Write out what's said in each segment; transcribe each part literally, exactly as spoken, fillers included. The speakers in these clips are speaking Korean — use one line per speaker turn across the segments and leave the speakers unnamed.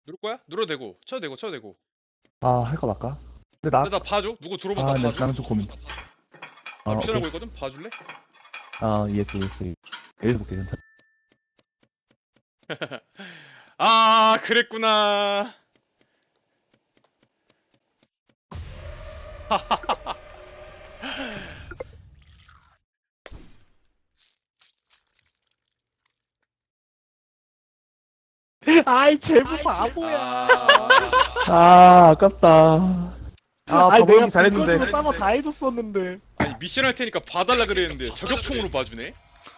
누를 거야? 눌러도 되고 쳐도 되고 쳐도 되고.
아, 할까 말까? 근데 나,
근데 나 봐줘. 누구 들어오면
아,
나
나,
봐줘.
나는 좀 고민.
나
아,
미션하고
오케이.
있거든. 봐줄래?
아, 예스, 예스. 여기서 볼게, 괜찮아.
아 그랬구나.
아이 제부 바보야.
아,
아, 아깝다. 아,
아니 내가
바보기 잘했는데.
본거으로 싸워 다 해줬었는데.
아니 미션 할 테니까 봐달라 그랬는데 저격총으로 봐주네.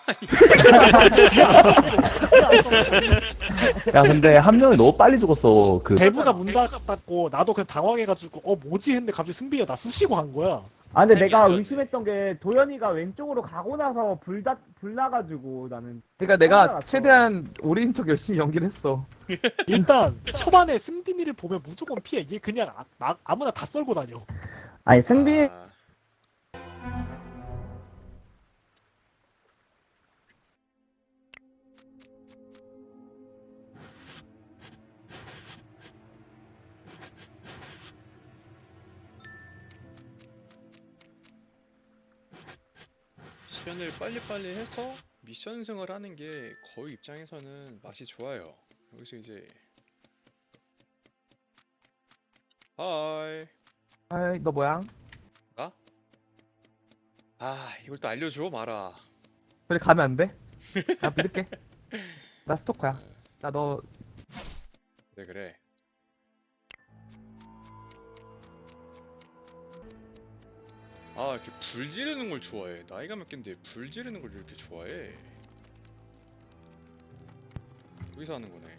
야, 근데 한 명이 너무 빨리 죽었어. 그,
제부가 문 닫았고 나도 그냥 당황해가지고 어 뭐지 했는데 갑자기 승비가 나 쑤시고 한 거야.
아 근데
타이밍
내가
안 좋았네.
의심했던 게 도현이가 왼쪽으로 가고 나서 불다 불나가지고 나는
그러니까 내가 최대한 우리인 척 열심히 연기를 했어.
일단 초반에 승빈이를 보면 무조건 피해. 얘 그냥 아, 나- 아무나 다 썰고 다녀.
아니 승빈
아, 미션을 빨리빨리 해서 미션승을 하는 게 거의 입장에서는 맛이 좋아요. 여기서 이제 하이.
아이, 너 뭐야?
아 이걸 또 알려줘 마라.
그래, 가면 안 돼? 나 믿을게. 나 스토커야. 나 너,
그래 그래. 아 이렇게 불 지르는 걸 좋아해. 나이가 몇 갠데 불 지르는 걸 이렇게 좋아해. 여기서 하는 거네.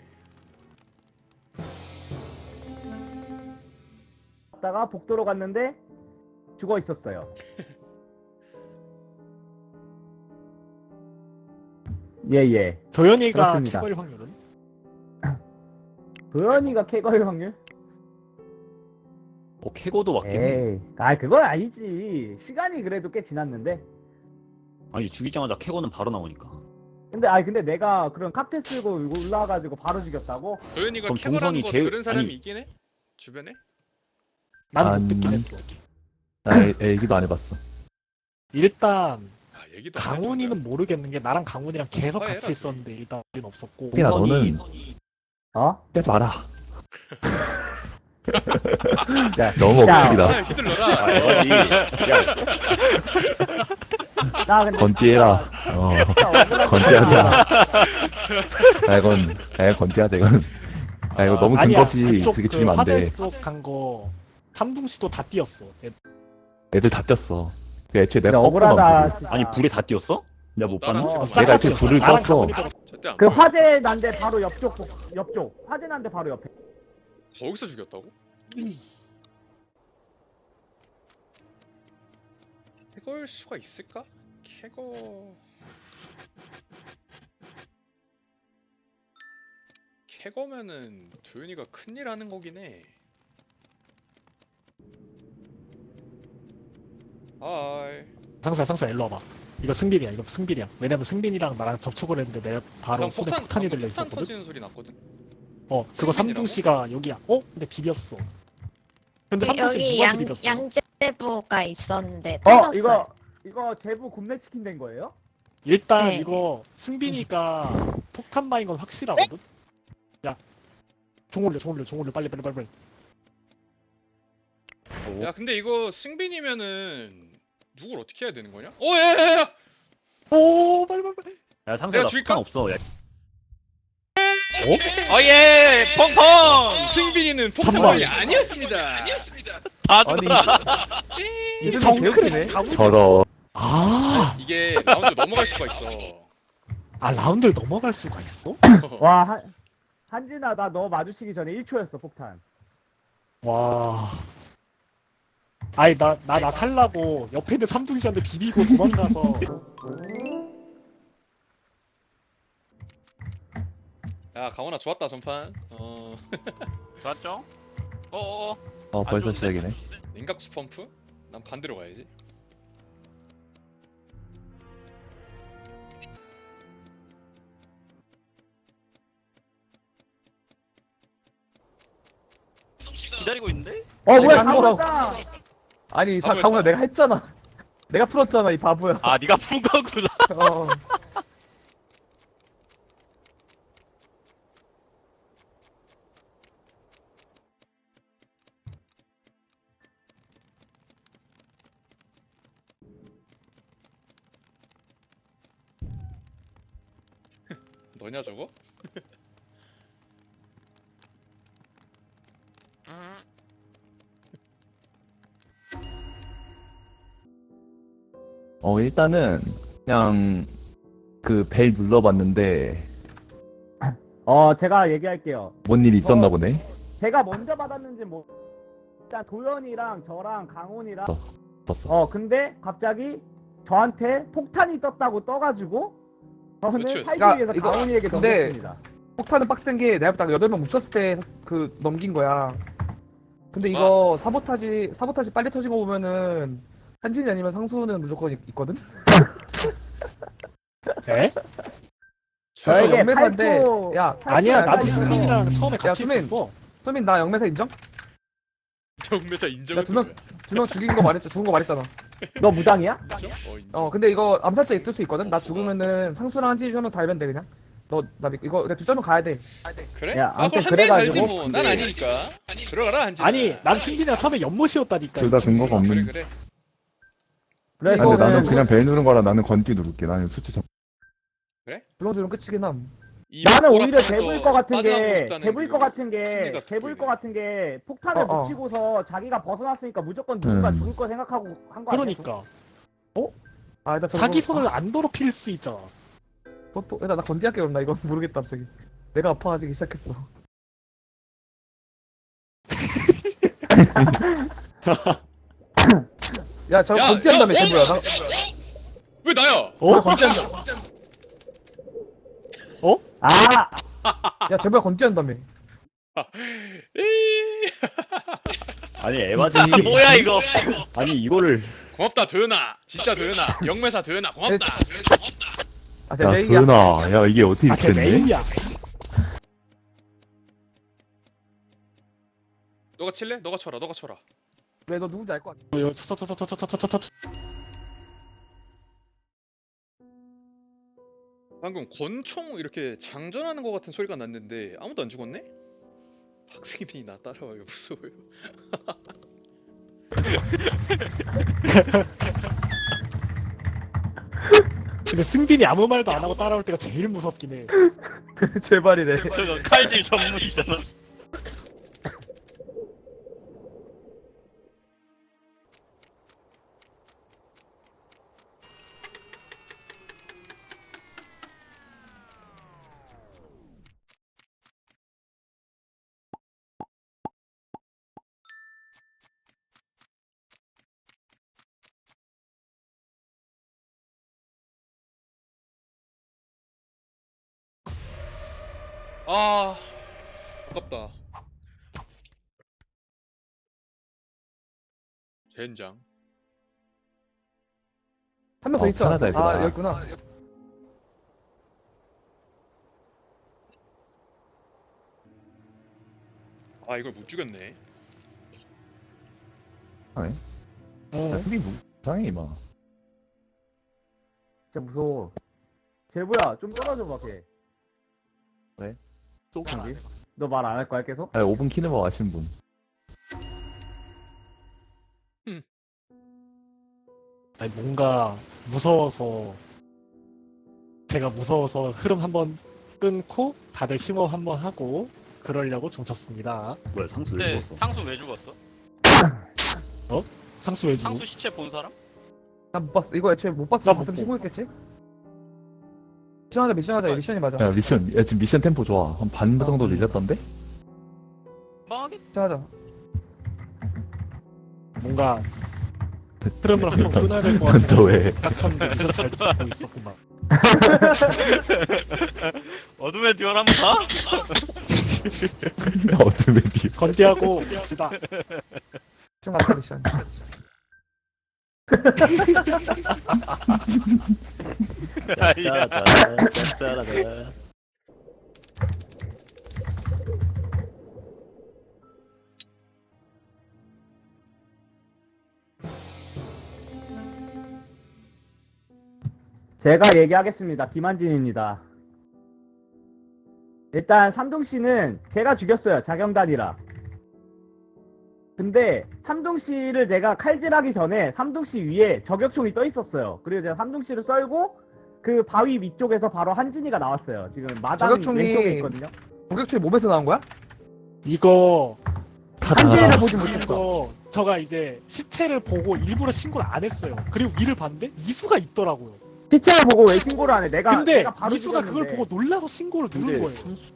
갔다가 복도로 갔는데 죽어 있었어요. 예예.
도현이가
그렇습니다.
캐걸 확률은?
도현이가 캐거일 확률?
어, 캐고도 맞긴 해.
에이, 아 그건 아니지. 시간이 그래도 꽤 지났는데.
아니, 죽이자마자 캐고는 바로 나오니까.
근데 아니 근데 내가 그런 카페 쓸고 올라와가지고 바로 죽였다고?
도현이가
그럼
캐거라는
동선이
거
제일-
들은 사람이
아니-
있긴 해? 주변에?
나는
안-
못 듣긴 했어.
나 애- 애기도 안 해봤어.
일단
아 얘기도 안
강훈이는 모르겠는 게 나랑 강훈이랑 계속
아,
같이
해라,
있었는데 일단 우린 없었고.
야,
동선이-
너는
어?
빼지 마라.
야,
너무
야,
억측이다.
아 휘둘러라.
아, 이거지. 야,
나 근데
건띠해라. 어, 건띠하자. 아, 이건, 아, 건띠하자, 이건. 아, 이거 너무 근거 없이
그쪽
그렇게
그
죽이면 안 돼.
화재 쪽 간 거 삼둥씨도 다 뛰었어. 애-
애들 다 뛰었어. 그 애초에 내가
근데 억울하다.
꺾어만
진짜.
아니, 불에 다 띄었어? 내가 못
나랑
봤나?
어,
제가
내가
싹다
애초에 불을
뛰었어. 나랑
껐어.
강훈이 들어-
절대 안
그
보여.
화재 난데 바로 옆쪽 옆쪽 화재 난데 바로 옆에.
거기서 죽였다고? 캐거일 수가 있을까? 캐거... 캐거면은 도현이가 큰일 하는 거긴 해. 하이.
상수야 상수야 일로 와봐. 이거 승빈이야. 이거 승빈이야. 왜냐면 승빈이랑 나랑 접촉을 했는데 내가 바로
방금
손에
폭탄,
폭탄이
방금
들려
폭탄
있었거든.
터지는 소리 났거든?
어 그거
승빈이라고?
삼둥씨가 여기야. 어? 근데 비볐어. 근데 삼둥씨
여기
누가
양,
비볐어?
양재부가 있었는데
어
터졌어요.
이거 이거 제부 굽네 치킨 된 거예요?
일단
네.
이거 승빈이가 폭탄 마인 건 확실하거든. 야, 종 올려, 종 올려, 종 올려, 빨리, 빨리, 빨리, 빨리.
야 근데 이거 승빈이면은 누굴 어떻게 해야 되는 거냐? 오 야야야!
오, 빨리, 빨리, 빨리.
야, 상수야,
내가
나
죽일까?
폭탄 없어. 야,
어예 펑펑
승빈이는
잠깐만.
폭탄이 아니었습니다. 아니었습니다.
다
아니,
죽어라.
이승민
정크레
개웃기네.
가문.
저러.
아,
이게 라운드 넘어갈 수가 있어.
아 라운드를 넘어갈 수가 있어?
와 한, 한진아 나 너 마주치기 전에 일 초였어 폭탄.
와. 아니 나 나 나 살라고 옆에 있는 삼둥씨한테 비비고 도망가서.
야 강원아 좋았다 전판. 어
맞죠? 어어
어, 벌써 시작이네.
냉각수 펌프? 난 반대로 가야지.
기다리고 있는데?
어 뭐야
간
가고
거라고.
있다.
아니 사,
바보였다.
강훈아 내가 했잖아. 내가 풀었잖아 이 바보야.
아 네가 푼 거구나.
어.
너냐 저거?
어 일단은 그냥 그 벨 눌러봤는데
어 제가 얘기할게요.
뭔 일 있었나
어.
보네.
제가 먼저 받았는지 뭐 일단 도현이랑 저랑 강훈이랑
떴어.
어 근데 갑자기 저한테 폭탄이 떴다고 떠가지고 저는
그렇죠.
사이드에서
이거-
강훈이에게
근데-
넘겼습니다.
폭탄은 빡센 게 내가 딱 여덟 명 뭉쳤을 때 그 넘긴 거야. 근데 이거 사보타지 사보타지 빨리 터진 거 보면은 한진이 아니면 상수는 무조건 있, 있거든.
에?
저
저에게
영매사인데
팔도-
야
아니야
야,
나도
야,
승민이랑 처음에
야,
같이
수민.
있었어.
수민 나 영매사 인정?
경매사 인정을
두 명 두 명 죽인 거 말했잖아. 죽은 거 말했잖아.
너 무당이야?
인정? 어 인정.
어 근데 이거 암살자 있을 수 있거든. 나 죽으면은 상수랑 한진이 한명 달면 돼 그냥. 너 나 이거 그냥 두 점은 가야 돼.
그래?
야,
아
아무튼
그럼 한대 갈지
그래가지고
뭐. 난 아니니까. 들어가라 한지.
아니 난 승민이랑 처음에 연못이었다니까.
둘 다 근거가
그래
없는.
그래.
그래
아니, 근데
이거는-
나는 그냥 벨 누른 거라 나는 건띠 누를게. 나는 수치 점.
불렁주는 끝이긴 함.
이
나는
보라
오히려
판에서
제부일 것 같은
빠져나오고
게
싶다는
제부일
그
것 같은 게
심리가
제부일 것
돋보이네.
같은 게 폭탄을
어, 어.
묻히고서 자기가 벗어났으니까 무조건 누군가
음.
죽을 거 생각하고 한 거 아니야?
그러니까
아 일단
자기 손을 안 더럽힐 수 있잖아.
또또 일단 나 건디할게 그럼 나 이거 모르겠다 갑자기. 내가 아파가지기 시작했어. 야 저거
야,
건디한다며
야,
제부야. 나,
왜 나야?
어?
아
야 제부야 건디한다며.
에이.
아니 에바지.
뭐야 이거?
아니 이거를
고맙다 도연아. 진짜 도연아. 영매사 도연아 고맙다.
아 제
야
레이야.
도연아, 야 이게 어떻게
아걔
됐네?
메인이야.
너가 칠래? 너가 쳐라. 너가 쳐라.
왜 너 누군지 알 것 같아.
어, 터터터터터터터터터.
방금 권총 이렇게 장전하는 것 같은 소리가 났는데 아무도 안 죽었네? 박승민이 나 따라와요. 무서워요.
근데 승빈이 아무 말도 안 하고 따라올 때가 제일 무섭긴 해.
제발이래.
저거 칼질 전문이잖아.
아 아깝다. 젠장.
한 명 더
어,
있지 않았어?
편하다,
아
얘들아.
여기 있구나.
아 이걸 못 죽였네.
야,
어.
수비 뭐 이상해 이마.
진짜 무서워. 제부야 좀 떨어져 봐 걔.
왜?
너 말 안 할 거야 계속?
아, 오 분 키는 아시는 분.
아니 뭔가 무서워서 제가 무서워서 흐름 한번 끊고 다들 심호흡 한번 하고 그러려고 종쳤습니다.
뭐야 상수 왜
근데
죽었어?
상수 왜 죽었어?
상수 왜 주고?
상수 시체 본 사람?
난 못 봤어. 이거 애초에 못 봤어.
나못
봤으면
보.
신고했겠지? 미션하자 미션하자. 미션이 맞아.
야 미션, 야 지금 미션 템포 좋아. 한 반 정도 늘렸던데?
빵하게?
미션하자.
뭔가 흐름을 한번 끊어야 될 것 같아.
넌또 왜?
딱 쳤는데 미션 잘 듣고 있었구만.
어둠의 듀얼 한번 봐?
어둠의 비.
건디하고 지다.
미션 갔다 미션.
짜짜짜 짜짜라자.
제가 얘기하겠습니다. 김한진입니다. 일단 삼동씨는 제가 죽였어요. 자경단이라. 근데 삼동씨를 내가 칼질하기 전에 삼동씨 위에 저격총이 떠 있었어요. 그리고 제가 삼동씨를 썰고 그 바위 위쪽에서 바로 한진이가 나왔어요. 지금 마당
저격총이-
왼쪽에 있거든요.
공격초에 몸에서 나온 거야?
이거
한진이를
다
보지 못했어.
이거 저가 이제 시체를 보고 일부러 신고를 안 했어요. 그리고 위를 봤는데 이수가 있더라고요.
시체를 보고 왜 신고를 안 해? 내가
근데
내가 바로
이수가 그걸
죽였는데.
보고 놀라서 신고를 누른
근데
거예요.
삼수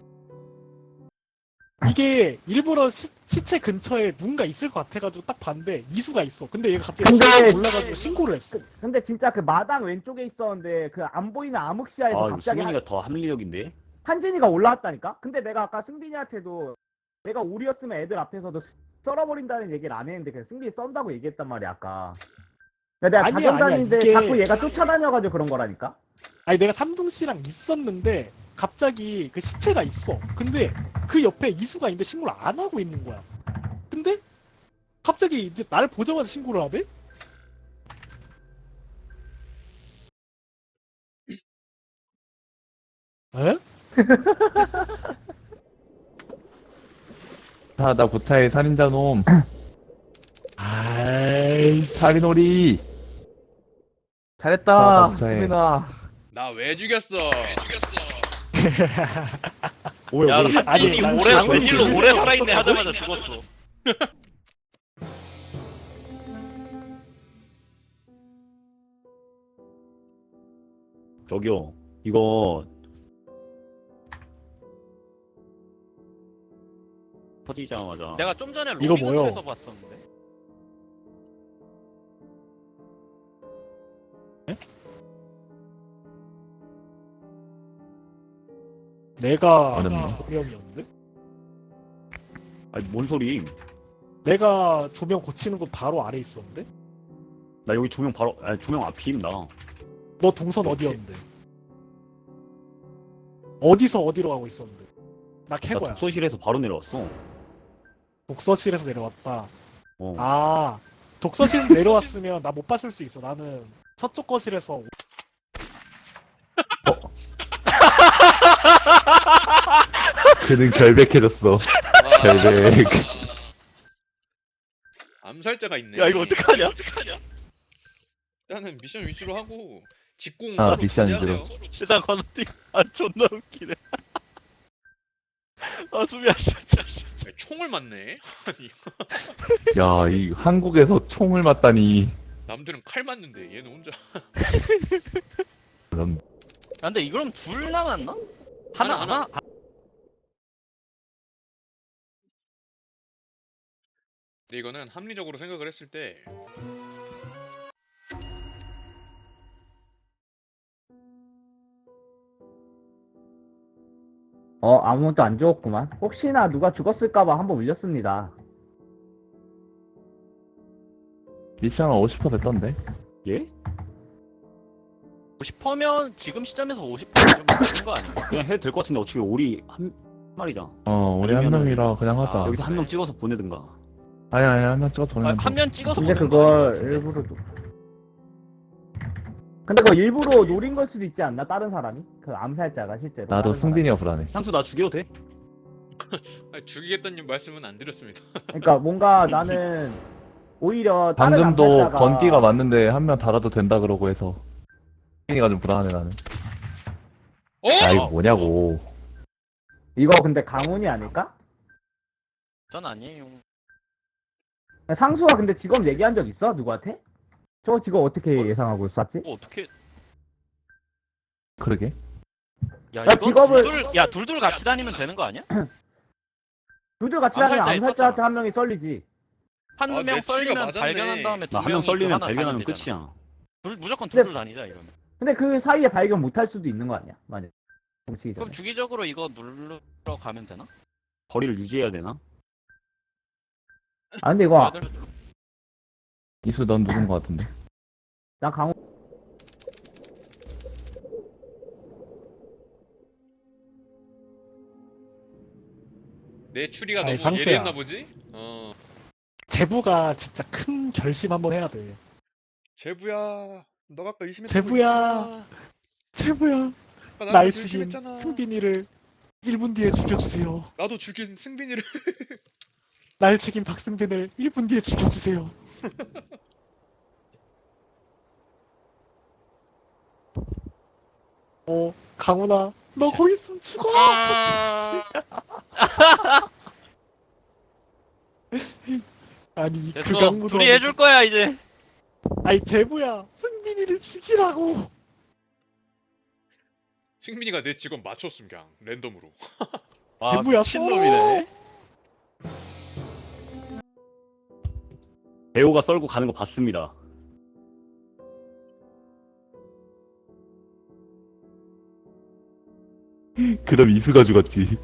이게 일부러 시, 시체 근처에 누군가 있을 것 같아가지고 딱 봤는데 이수가 있어. 근데 얘가 갑자기
근데-
놀라가지고 신고를 했어.
근데 진짜 그 마당 왼쪽에 있었는데 그 안 보이는 암흑시야에서
아 이거
갑자기 한,
승민이가 더 합리적인데?
한진이가 올라왔다니까? 근데 내가 아까 승빈이한테도 내가 우리였으면 애들 앞에서도 썰어버린다는 얘기를 안 했는데 그냥 승빈이 썬다고 얘기했단 말이야 아까. 근데 내가
아니야,
자경단인데
아니야, 이게-
자꾸 얘가 쫓아다녀가지고 그런 거라니까?
아니 내가 삼동 씨랑 있었는데 갑자기 그 시체가 있어. 근데 그 옆에 이수가 있는데 신고를 안 하고 있는 거야. 근데 갑자기 이제 날 보자마자 신고를 하대? 에?
아, 나 고차의 살인자 놈.
아이씨.
살인오리.
잘했다,
아, 감사해.
수빈아.
나 왜 죽였어? 왜 죽였어?
뭐야
야
뭐야
아니,
한진이
난
오래
장군
웬일로
죽였어.
오래 살아있네 하자마자 죽었어.
저기요 이거 터지자마자
내가 좀 전에
이거
로비
뭐요?
근처에서 봤었는데.
내가
어렵네.
조명이었는데?
아니 뭔 소리
내가 조명 고치는 곳 바로 아래 있었는데?
나 여기 조명 바로 아니 조명 앞임 나
너 동선
오케이.
어디였는데? 어디서 어디로 가고 있었는데? 나
나
캐고야.
독서실에서 바로 내려왔어
독서실에서 내려왔다.
어.
아, 독서실에서 내려왔으면 나 못 봤을 수 있어. 나는 서쪽 거실에서
그는 결백해졌어.
와,
결백.
암살자가 있네.
야 이거 어떡하냐? 어떡하냐?
일단은 미션 위주로 하고 직공
아,
서로
미션
기대하세요.
위주로.
일단 건너뛰. 아 존나 웃기네. 아 수비야 진짜.
아니, 총을 맞네. 아니
야, 이 한국에서 총을 맞다니.
남들은 칼 맞는데 얘는 혼자.
그럼
아, 근데 이거럼 둘 남았나? 하나
하나,
하나.
근데 이거는 합리적으로 생각을 했을 때
어 아무것도 안 죽었구만. 혹시나 누가 죽었을까봐 한번 올렸습니다.
미션은 오십 퍼센트 됐던데.
예?
오십 퍼센트면 지금 시점에서 오십 퍼센트 좀 낮은 거 아닌가?
그냥 해도 될 것 같은데 어차피 오리 한 마리잖아
어, 우리 한
아니면은-
명이라 그냥 하자.
아,
여기서 한 명 찍어서 보내든가
아니, 아니, 한 명 찍어서 보내면 돼.
한 면 찍어서
근데
보내는 거
그걸
같은데.
일부러 노... 근데 그거 일부러 노린 걸 수도 있지 않나? 다른 사람이? 그 암살자가 실제로.
나도
다른
승빈이가 불안해.
향수 나 죽여도 돼?
아니, 죽이겠다는 말씀은 안 드렸습니다.
사람이. 그러니까 뭔가 나는 오히려 다른
방금도
암살자가
건기가 맞는데 한 명 달아도 된다 그러고 해서 승빈이가 좀 불안해 나는.
어?
야, 이거 뭐냐고.
이거 근데 강훈이 아닐까?
전 아니에요.
상수가 근데 직업 얘기한 적 있어? 누구한테? 저 직업 어떻게 예상하고 쐈지?
뭐 어떻게?
그러게.
야
야,
이건
직업을-
둘둘 야 둘둘 같이 다니면 되는 거 아니야?
둘둘 같이 다니면
암살자
암살자한테 한 명이 썰리지.
한
아,
명
내 추리가
썰리면
맞았네.
발견한 다음에 두
나 한 명
명이 그
썰리면
하나
발견하면
다니면 되잖아.
끝이야
둘 무조건
근데-
둘둘 다니자 이러면.
근데 그 사이에 발견 못할 수도 있는 거 아니야? 만약 훔치기 전에.
그럼 주기적으로 이거 누르러 가면 되나?
거리를 유지해야 되나?
아 근데 이거
다들 눌러.
이수 넌 누군 거 같은데.
난 강훈
내 추리가
아니,
너무
상수야.
예리했나 보지? 어.
제부가 진짜 큰 결심 한번 해야 돼.
제부야, 너가 아까 의심했던
제부야.
거 있잖아.
제부야,
아까
날
나한테
죽인
의심했잖아.
승빈이를 일 분 뒤에 죽여주세요.
나도 죽인 승빈이를.
날 죽인 박승빈을 일 분 뒤에 죽여주세요. 어, 강훈아, 너 거기 있으면 죽어!
아.
아니, 그
됐어.
강무도.
둘이 해줄 거야 이제.
아니, 제부야, 승빈이를 죽이라고!
승빈이가 내 직원 맞췄음 그냥 랜덤으로.
와
대부야,
미친놈이네.
배우가 썰고 가는 거 봤습니다.
그럼 이수가 죽었지.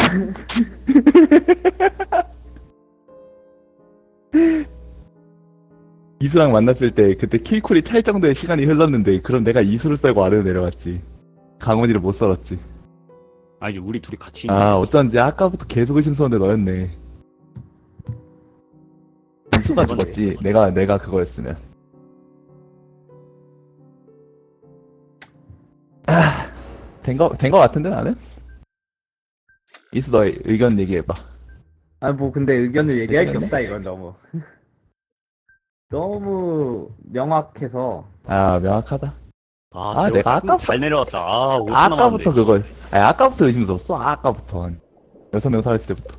이수랑 만났을 때 그때 킬쿨이 찰 정도의 시간이 흘렀는데 그럼 내가 이수를 썰고 아래로 내려갔지. 강원이를 못 썰었지.
아 이제 우리 둘이 같이
아 어쩐지 아까부터 계속 의심스러운데 너였네. 이수가 죽었지. 내가 내가 그거였으면. 아, 된거 된 거 같은데 나는? 이수 너 의견 얘기해봐.
아 뭐 근데 의견을 얘기할 게
괜찮네?
없다 이건 너무 너무 명확해서.
아 명확하다.
아,
아,
제가
내가 아까-
잘 내려왔다. 아, 오 초
아까부터
남았는데.
그거. 아니 아까부터 의심스러웠어. 아까부터 한 여섯 명 살았을 때부터.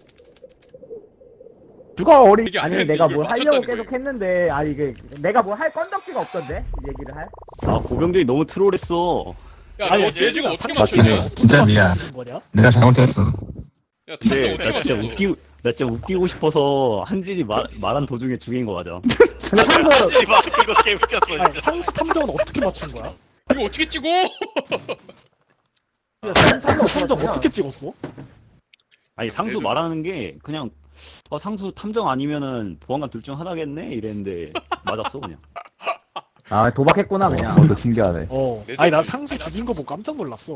죽어 우리.
이게
아니
아니었는데
내가
이걸
뭘 하려고
맞췄다는
계속
거예요.
했는데 아니 이게 내가 뭘 할 건덕지가 없던데 이 얘기를 할.
아, 고병준이 너무 트롤했어.
야,
아니,
너 내 직원 어떻게
상관없어.
맞췄냐?
맞긴
진짜 미안.
뭐냐?
내가 잘못했어.
야,
근데
탐정
나
어떻게
진짜
맞췄어?
웃기고, 나 진짜 웃기고 싶어서 한진이 말, 말한 도중에 죽인 거 맞아.
근데 상수
하지 마. 이거 개 웃겼어
아니,
진짜.
상수 탐정은 어떻게 맞춘 거야?
이거 어떻게 찍어?
상수 탐정 어떻게 찍었어?
아니, 상수
예술.
말하는 게 그냥, 어, 상수 탐정 아니면은 보안관 둘 중 하나겠네? 이랬는데, 맞았어, 그냥.
아 도박했구나 그냥.
어, 너 신기하네.
어.
내
아니, 나
정도는
상수 죽인 거 보고 깜짝 놀랐어.